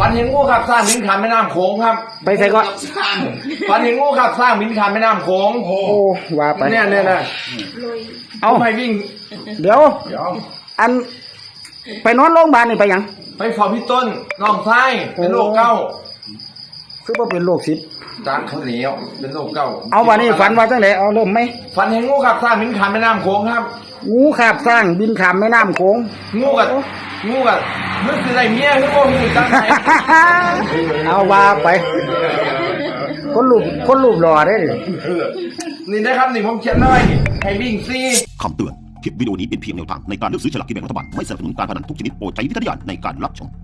ฝันเห็นงูขับสร้างบินข้ามแม่น้ำโขงครับไปใส่ก็ฝันเห็นงูขับสร้างบินข้ามแม่น้ำโขงโอ้ว่าไปเนี่ยนะเอาไปวิ่งเดี๋ยวอันไปนอนโรงพยาบาลนี่ไปยังไปเฝ้าพี่ต้นน้องชายเป็นโรคเก้าคือว่าเป็นโรคซิดจางเขาเหนียวเป็นโรคเก้าเอาวันนี้ฝันว่าจังไหนเอาเริ่มไหมฝันเห็นงูขับสร้างบินข้ามแม่น้ำโขงครับงูขับสร้างบินข้ามแม่น้ำโขงงูกับนึกคืออะไรเมียคือโอ้งูจังไหนเอาว่าไปคนรูปหล่อได้นี่นะครับนี่ผมเขียนไว้ให้วิ่งซีคำเตือนคลิปวิดีโอนี้เป็นเพียงแนวทางในการเลือกซื้อฉลากกินแบ่งรัฐบาลไม่สนับสนุนการพนันทุกชนิดโปรดใช้วิจารณญาณในการรับชม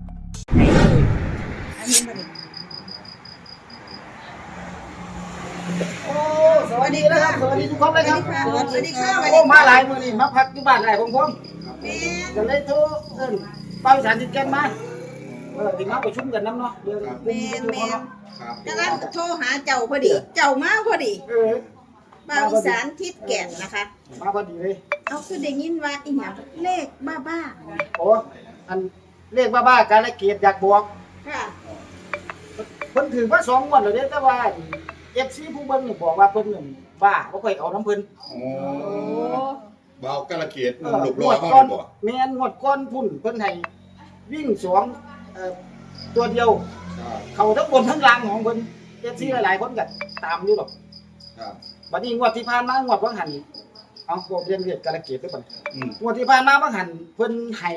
โอ้สวัสดีนะครับสวัสดีทุกคนเลยครับสวัสดีค่ะโอ้มาหลายมื้อนี่มาพักอยู่บ้านไหนผมจะเลยโทรเป้าสารติดกันมาที่มาประชุมกันน้ำเนาะเดี๋ยวแม่กำลังโทรหาเจ้าพอดีเจ้ามาพอดีบ้านอีสานทิศแก่นนะคะมาพอดีเลยเอาคือได้ยินว่าอีหยังเลขบ้าโอ้อันเลขบ้าการละเกียดอยากบอกค่ะเพิ่นถือว่า2 งวดแล้วเด้แต่ว่า FC ผู้เบิ่งนี่บอกว่าเพิ่นนี่บ้าบ่ค่อยเอาน้ำเพิ่นโอ้เบากระเกียดหลบรอก่อนแม่นงวดก่อนพุ่นเพิ่นให้วิ่ง2ตัวเดียวเขาทั้งบนทั้งล่างของเพิ่น FC หลายๆคนก็ตามอยู่หรอกครับบัดนี้งวดที่ผ่านมางวดวังหันเอาบ่เรียนเรียกกระเกียดด้วยบัดงวดที่ผ่านมาวังหันเพิ่นให้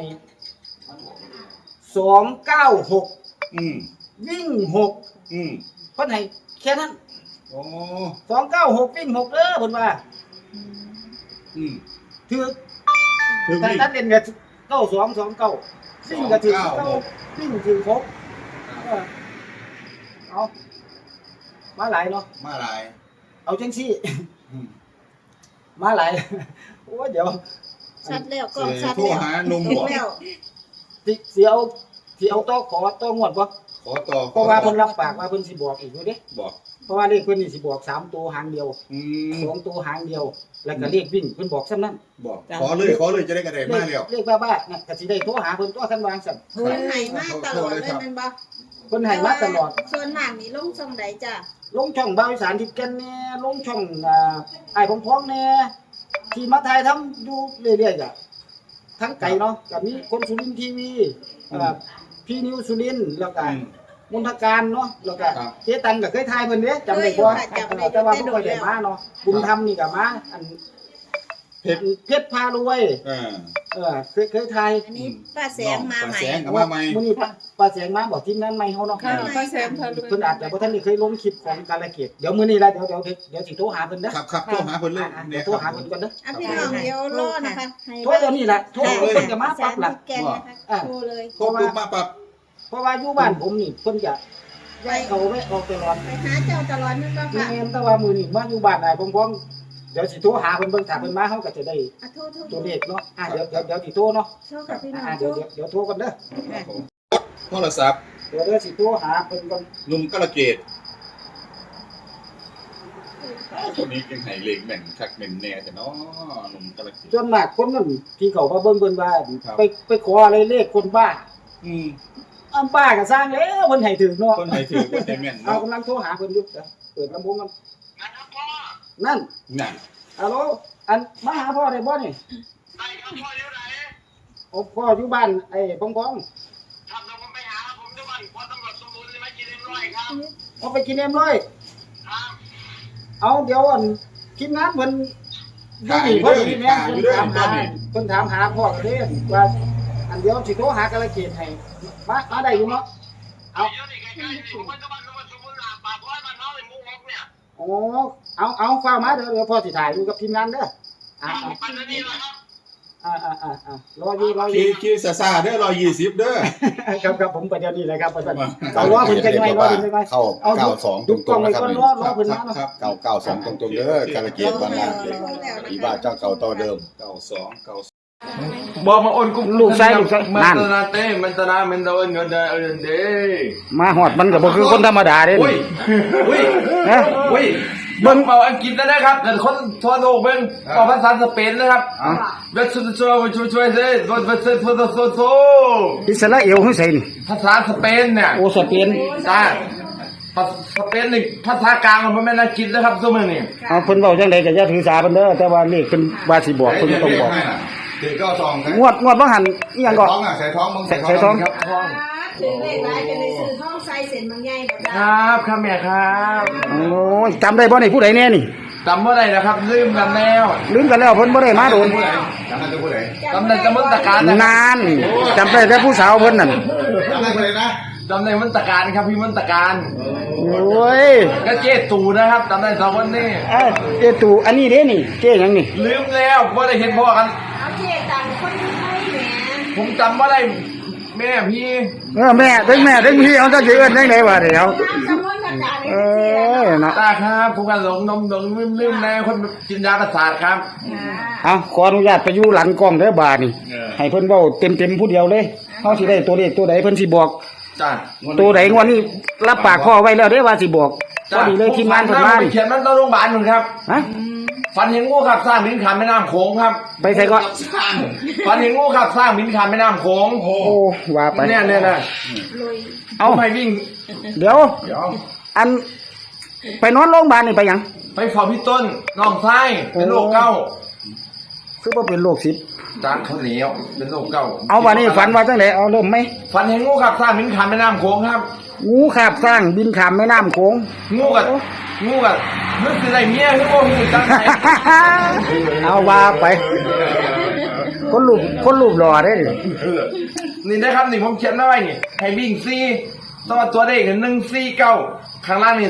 296วิ่ง6เพิ่นให้แค่นั้นโอ้ 296วิ่ง6เด้อเพิ่นว่าถือแต่ถ้าเล่นก็9229วิ่งก็ถือวิ่งถือ6เอามาหลายเนาะมาหลายเอาจังซี่มาหลายโอ้เดี๋ยวชัดแล้วก็ชัดแล้วโทรหานุ่มบ่สิเอาต่อขอต่องวดบ่ขอต่อเพราะว่าเพิ่นรับปากว่าเพิ่นสิบอกอีกเด้บอกเพราะว่าเลขเพิ่นนี่สิบอก3ตัวหางเดียว2ตัวหางเดียวแล้วก็เลขวิ่งเพิ่นบอกซ้ำนั้นบอกขอเลยจะได้กระไดมาแล้วเลขบ้าๆน่ะก็สิได้โทรหาเพิ่นตัวคันวางซั่นเพิ่นให้มาตลอดเลยแม่นบ่เพิ่นให้มาตลอดส่วนมากนี่ลงช่องใดจ้ะลงช่องบ่าวอีสานทิศแก่นแน่ลงช่องอ้ายพ้องๆแน่ที่มาถ่ายทำอยู่เรื่อยๆจ้ะทั้งไกลเนาะก็มีคนสุรินทร์ทีวีพี่นิวสุรินทร์แล้วก็มนทการเนาะแล้วก็เจ๊ตันก็เคยถ่ายเพิ่นเด้จำได้บ่แต่ว่าบ่ค่อยได้มาเนาะบุญธรรมนี่ก็มาอันเพชรพารวยเคยถ่ายอันนี้ป้าแสงมาใหม่ป้าแสงก็มาใหม่มื้อนี้ป้าแสงมาบอกทีมงานใหม่เฮาเนาะป้าแสงเพิ่นอาจจะบ่ทันได้เคยลงคลิปของกาลเกตเดี๋ยวมื้อนี้ล่ะเดี๋ยวสิโทรหาเพิ่นเด้อครับโทรหาเพิ่นเลยเดี๋ยวโทรหาเพิ่นก่อนเด้อพี่น้องเดี๋ยวรอนะคะโทรเดี๋ยวนี้ล่ะโทรเพิ่นก็มาปั๊บล่ะโทรเลยโทรปุ๊บมาปั๊บเพราะว่าอยู่บ้านผมนี่เพิ่นจะไว้เอาไว้ออกตลอดไปหาเจ้าตลอดนั่นบ่ค่ะแม่นแต่ว่ามื้อนี้มาอยู่บ้านได้พร้อมๆเดี๋ยวสิโทรหาเพิ่นเบิ่งถ้าเพิ่นมาเฮาก็จะได้ตัวเลขเนาะเดี๋ยวสิโทรเนาะโทรกับพี่น้องเดี๋ยวโทรกันเด้อโทรศัพท์เดี๋ยวสิโทรหาเพิ่นก่อนหนุ่มกระเกียดคนนี้จังไห้เลขแม่นคักแม่นแน่แต่เนาะหนุ่มกระเกียดส่วนมากคนนั้นที่เขามาเบิ่งเพิ่นว่าไปขออะไรเลขคนบ้าบ้าก็สร้างแล้วเพิ่นให้ถึงเนาะเพิ่นให้ถึงเพิ่นให้แม่นเอากำลังโทรหาเพิ่นอยู่เปิดลำโพงกันนั่นฮัลโหลอันมาหาพ่อได้บ่นี่ได้ครับพ่ออยู่ไหนโอ้พ่ออยู่บ้านไอ้พงครับผมไปหาผมอยู่บ้านพ่อตำรวจสมบูรณ์เลยมากินM100ครับเอาไปกินM100ครับเอาเดี๋ยวอันทีมงานเพิ่นอยู่นี่เพิ่นนี่แม่เพิ่นถามหาพ่อเด้ว่าอันเดียวสิโทรหากาลเกตให้มาได้อยู่เนาะเอาโอ้เอาฟังมาเดี๋ยวพ่อสิถ่ายอยู่กับทีมงานเด้อรออยู่ขี่ซ่าๆเด้อ120เด้อครับผมไปเดี๋ยวนี้เลยครับเอาล้อเพิ่นจังไงล้อเพิ่นจังไงเข้า92ตรงๆนะครับล้อเพิ่นมาเนาะ 992ตรงๆเด้อกาลเกียรติบ้านนาอีบ้าเจ้าเก่าต่อเดิม 92 บอกมาโอนกุ๊กลูกชายลูกชายมันนั่นตนาเต้มันตนามันตะเอินเงินเดือนเด้มาฮอดมันก็บ่คือคนธรรมดาเด้อุ้ยอุ้ยฮะอุ้ยเบิ่งเป่าอังกฤษนะครับแต่คนทั่วโลกเบิ่งเป่าภาษาสเปนนะครับเวสต์ช่วยเซ่เวสต์โซอิสราเอลคือไสนี่ภาษาสเปนเนี่ยโอ้สเปนจ้าสเปนนี่ภาษากลางมันไม่น่ากินนะครับซุมื้อนี้เอาเพิ่นเว้าจังไดก็อย่าถือสาเพิ่นเด้อแต่ว่าเลขเพิ่นว่าสิบอกเพิ่นต้องบอกถือก็ซองนะงวดบ่หันอีหยังก็ท้องอ่ะใส่ท้องมึงใส่ท้องครับถือเลขหลายเป็นในซื้อท้องใส่เส้นบางใหญ่บ่คจ้ารับครับแม่ครับโอ้ยจำได้บ่นี่ผู้ใดแน่นี่จำเมื่อไรนะครับลืมกันแล้วลืมกันแล้วเพิ่นบ่ได้มาโดนจำได้ตัวผู้ใดจำได้จำมันตะการนะนานจำได้แต่ผู้สาวเพิ่นนั่นจำได้ผู้ใดนะจำได้มันตะการครับพี่มันตะการโอ้ยก็เจ๊ตูนะครับจำได้สองคนนี้เอ้ยเจ้ตู่อันนี้เด้นี่เจ้หยังนี่ลืมแล้วเพราะได้เห็นพ่อกันเอาเจตังคนไทยแหมผมจำว่าได้แม่พี่แม่ถึงพี่เอาจะสิเอิ้นจังได๋วะเดี๋ยวตามจำนวนประกาศในเอบัญชีแล้วอเนาะตาครับผมกันหลงลืมแน่คนกินยาประสาทครับเอาขออนุญาตไปอยู่หลังกล้องเด้อบาดนี่ให้เพิ่นเว้าเต็มๆผู้เดียวเลยเฮาสิได้ตัวเลขตัวใดเพิ่นสิบอกจ้าตัวใดงวดนี้รับปากพ่อไว้แล้วเด้ว่าสิบอกพอดีเลยทีมงานเพิ่นมาไปเขียนมันต้องโรงพยาบาลหนึ่งครับฮะฝันเห็นงูขับสร้างบินขามแม่น้ำโขงครับไปใส่ก็ฝันเห็นงูขับสร้างบินขามแม่น้ำโขงโอ้ว่าไปเนี่ยนะเอาทำไมวิ่งเดี๋ยว อันไปนอนโรงพยาบาลนี่ไปหยังไปเฝ้าพี่ต้นน้องไส้เป็นโรคเก้าคือบ่เป็นโรคซิดจานเขาวเหนียวเป็นโรคเก้าเอาว่านี่ฝันว่าจังไดเอาเริ่มไหมฝันเห็นงูขับสร้างบินขามแม่น้ำโขงครับงูคาบสร้างบินข้ามแม่น้ำโขงงูกับนึกคืออะไรเมียคือโอ้ยจังไงเอาว่าไปคนรูปหล่อได้ดินี่นะครับนี่ผมเขียนไว้นี่ให้วิ่งซี่ตัวเลข149ข้างล่างนี่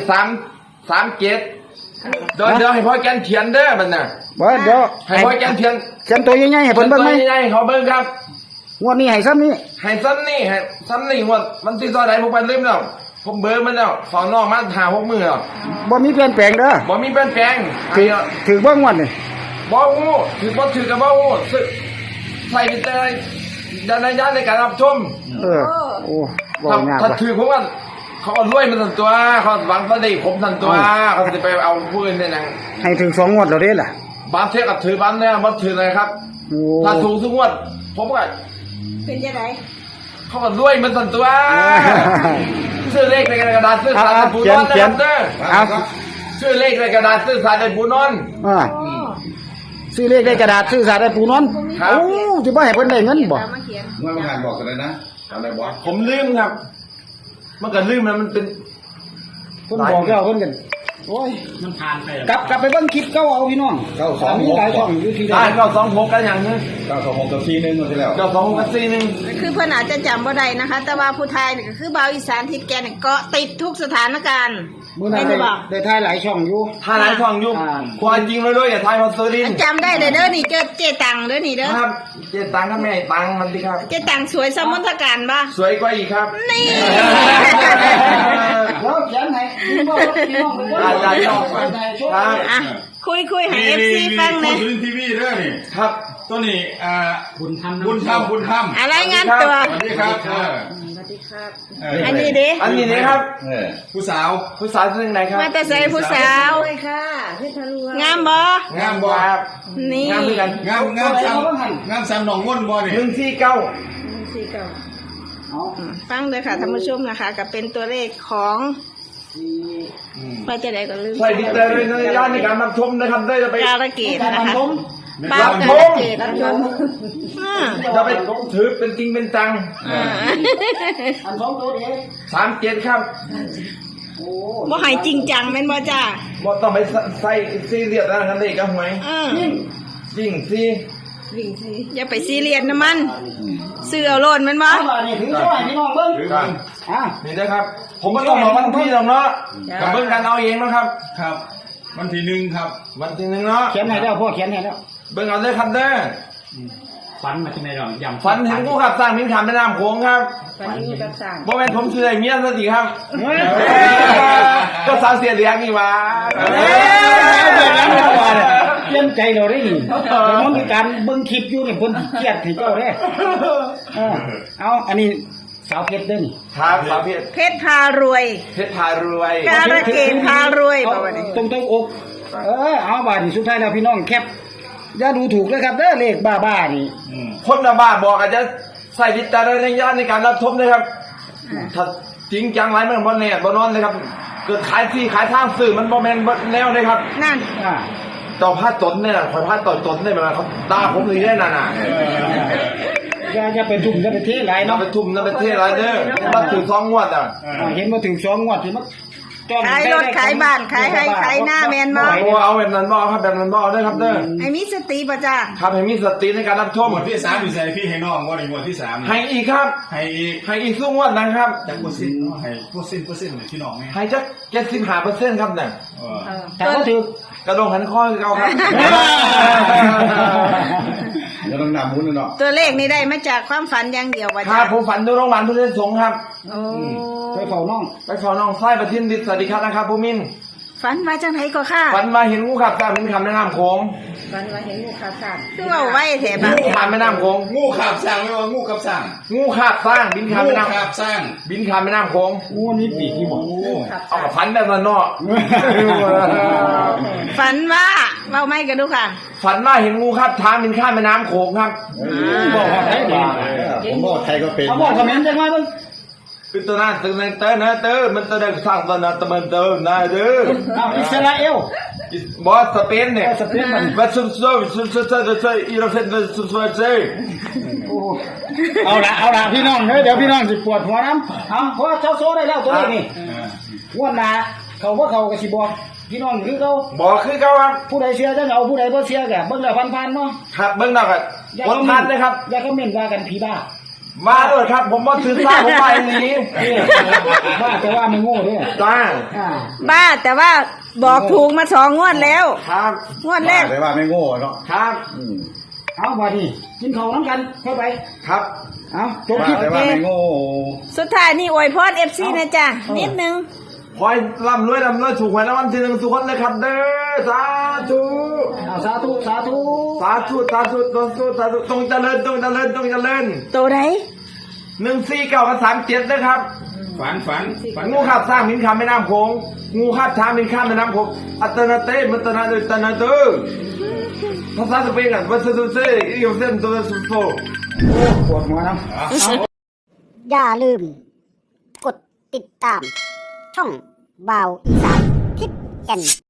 337เดี๋ยวให้พ่อแกนเขียนเด้อมันน่ะบ่เดี๋ยวให้พ่อแกนเขียนเขียนตัวใหญ่ๆให้เพิ่นเบิ่งไหมใหญ่ๆเขาเบิ่งครับงวดนี้ให้ซ้ำนี้ให้ซ้ำนี่งวดมันที่ซอยไหนผมไปลืมแล้วผมเบอร์มันแล้วสอนนอกมาหา6 มื้อแล้วบ่มีเปลี่ยนแปลงเด้อบ่มีเปลี่ยนแปลงถือบ่งวดนี่บ่ฮู้ถือบ่ถือกับบ่ฮู้ใส่วิจารณญาณในการรับชมเออโอ้บ่ยากถ้าว่ะถือผมว่าเขาเอารวยมันสั่นตัวเขาหวังประเดี๋ยวผมสั่นตัวเขาจะไปเอาผู้อื่นเนี่ยนะให้ถึง2งวดแล้วเด้ล่ะบางเทศกับถือบ้านเนี่ยมันถือเลยครับโอ้ถ้าถูกทุกงวดผมก็เป็นยังไงเขาก็รวยมันสั่นตัวซื้อเลขในกระดาษซื้อสารในปูนอนนะครับเด้อเอาซื้อเลขในกระดาษซื้อสารในปูนอนอ่าซื้อเลขได้กระดาษซื้อสาได้ปูนอนครับโอ้สิบ่ให้เพิ่นได้เงินบ่มาเขียนเมื่อวานบอกกันเลยนะจำได้บ่ผมลืมครับมันก็ลืมแล้วมันเป็นเพิ่นบอกแล้วเพิ่นกันโอ้ยมันผ่านไปกลับไปเบิ่งคลิปเก่าเอาพี่น้องมีหลายช่องอยู่ที่ได้ได้ก็26กันอย่างนึง 926กับ4 1ที่แล้วก็2กับ4นึงคือเพิ่นอาจจะจำบ่ได้นะคะ แต่ว่าผู้ไทยนี่ก็คือบ่าวอีสานทิศแกนนี่เกาะติดทุกสถานการณ์มื้อนั้นไม่ได้บอกได้ถ่ายหลายช่องอยู่ถ้าหลายช่องยุ่งความจริงเลยด้วยอย่าทายมาซื้อดินจำได้เด้อนี่เจตังเด้อนี่เด้อครับเจ๊ตังกับแม่ตังมันดีครับเจตังสวยสมมติการบ่สวยกว่าอีกครับนี่แล้วเขียนให้พี่น้องพี่น้องไปเบิ่งได้ครับอ่ะคุยให้ FC ฟังแหน่พื้นทีวีเด้อนี่ครับตัวนี้บุญธรรมอะไรงานตัวสวัสดีครับอันนี้เด้อันนี้นี่ครับผู้สาวผู้สาวซึ่งไหนครับมาแต่ใส่ผู้สาวงามบ่งามบ่ครับนี่งามด้วยกันงามซ้ำหนองง่นบ่นี่ 149 ฟังเลยค่ะท่านผู้ชมนะคะก็เป็นตัวเลขของว่าจะได้ก็ลืมใส่ดิจิตอลในย่านในการรับชมนะครับได้จะไปการะเกดนะคะป้ารับกาชระมเกดรับชมอ่าจะไปถือเป็นจริงเป็นจังอัน2ตัวเด้ 37ครับโอ้บ่ใหายจริงจังแม่นบ่จ้าบ่ต้องไปใส่ซีเรียสนะครับเลขกับหวย จริงสิอย่าไปซีเรียสนะมันซื้อเอาโลดแม่นบ่เอาล่ะนี่ถือช่วยพี่น้องเบิ่งครับอ่ะนี่นะครับ ผมไม่ต้องบอกวันที่หรอกเนาะกับเบิ่งกันเอาเองนะครับครับวันที่1ครับวันที่1เนาะเขียนให้แล้วพ่อเขียนให้แล้วเบิ่งเอาเลยครับเด้อฟันมาที่ไหนหรอยำฝันเห็นผู้ขับสร้างมินขามแม่น้ำโขงครับฝันนี้กับสั่งบ่แม่นผมชื่อไอ้เมียซะสิครับ ก็สาวเสียเลี้ยงนี่หว่าเปลี่ยนใจเราได้นี่แต่มันมีการเบิ่งคลิปอยู่นี่เพิ่นเครียดให้เจ้าเด้เอาอันนี้สาวเพชรเด้อนี่ครับสาวเพชรเพชรพารวยเพชรพารวยการะเกดพารวยเอาบ่ว่านี่ตรงอกเอาบาดนี่สุดท้ายแล้วพี่น้องแคปอย่าดูถูกเลยครับเด้อเลขบ้าๆนี่คนบ้าบอกอาจจะใส่วิจารณญาณในการรับชมนะครับถ้าจริงจังไรมันบ่แน่บ่นอนเลยครับเกิดขายที่ขายทางสื่อมันบ่แม่นบ่แนวเลยครับนั่นต่อผ้าตนเนี่ยคอยผ้าต่อตนเนี่ยมันเขาด่าผมเลยได้น่ะอย่าไปทุ่มอย่าไปเทหลายเอาเนาะไปทุ่มนั่นไปเทไรเด้อมาถึง2 งวดอ่ะเห็นมาถึง2 งวดที่มันจ้อนขายรถขายบ้านขายให้ขายหน้าแม่นบ่โอ้เอาแบบนั้นบ่ครับแบบนั้นบ่เด้อครับเด้อให้มีสติป่ะจ้าครับให้มีสติในการรับชมหมวดที่3อยู่ใส่พี่ให้น้องว่าในหมวดที่3 ให้อีกครับให้อีกให้อีกสู้งวดนะครับจักเปอร์เซ็นต์เนาะให้เปอร์เซ็นต์พี่น้องไงให้จัก75%ครับเนี่ยแต่ก็ถือกระดงหันข้อคือเก่าครับเดี๋ยวต้องนำมุ้นเนาะตัวเลขนี้ได้มาจากความฝันอย่างเดียวป่ะคจ้ารับผมฝันดูโรงพยาบาลพุทธสงฆ์ครับโอ้ไปเฝ้าน้องไปขอน้องไส้ประทินดิษฐ์สวัสดีครับนะครับผู้มินฝันมาจังไหนก็ค่ะฝันมาเห็นงูขับตามเป็นคำแนะนำโค้งฝันว่าเห็นงูขาดคือว่าไว้แถบงูขามแม่น้ำโค้งงูขับสร้างไม่ว่างูขับสร้างงูขับสร้างบินขามงูแม่น้ขับสร้างำบินขามแม่น้ำโค้งงูนี่ปีกที่บอกเอากับฝันแบบนั้นเนาะฝันว่าเว้าไม่กันดูค่ะฝันว่าเห็นงูขับช้างบินข้ามแม่น้ำโขงครับบอกว่าได้ดีผมบอกใครก็เป็นเขาบอกคอมเมนต์จังว่าเบิ่งคือตัวนั้นตัวนั้นเตอร์นะเตอร์มันตัวนั้นสร้างตัวนั้นตัวมันเตอร์นะเด้อเอาอิสราเอลบอสสเปนเนี่ยสเปนมันวัดซุ่มซุ่มซุ่มซุ่มซุ่มซุ่มอีโรเฟนซุ่มซุ่มซุ่มเอาละพี่น้องเดี๋ยวพี่น้องสิปวดหัวน้ำเอาเพราะว่าเจ้าโซ่ได้แล้วตัวเลขนี่งวดหน้าเขาก็กระสิบอกพี่น้องคือเขาบอกคือเขาครับผู้ใดเชื่อจะเอาผู้ใดบ่เชื่อก็เบิ่งแล้วผ่านๆเนาะครับเบิ้งหนักอ่ะกดทันนะครับอย่าคอมเมนต์ว่ากันผีบ้ามาด้วยครับ ผมมาถือซ่าผมไปหนีบ้าแต่ว่าไม่โง่เด้อจ้าบ้าแต่ว่าบอกถูกมา2 งวดแล้วครับงวดแรกแต่ว่าไม่โง่เนาะครับเอาบ่ดีกินข้าวน้ำกันเข้าไปครับเอาจบคลิปแต่ว่าไม่โง่สุดท้ายนี่อวยพร FC นะจ๊ะนิดนึงคอยร่ำรวยถูกหวยรางวัลที่ 1ทุกคนเลยครับเด้อสาธุเอาสาธุสาธุสาธุสาธุตรงเจริญตรงเจริญตัวไหน 149กับ37นะครับฝันงูขับสร้างมินข้ามแม่น้ำโขงงูขับช้างมินข้ามแม่น้ำโขงอัตนาเต้มันตนาเดตนาเตอภาษาสเปนกันวัสดุเซอีโอเซนตัวสุโฟปวดหัวน้ำอย่าลืม กดติดตาม ช่องบ่าวอีสานทิศแก่น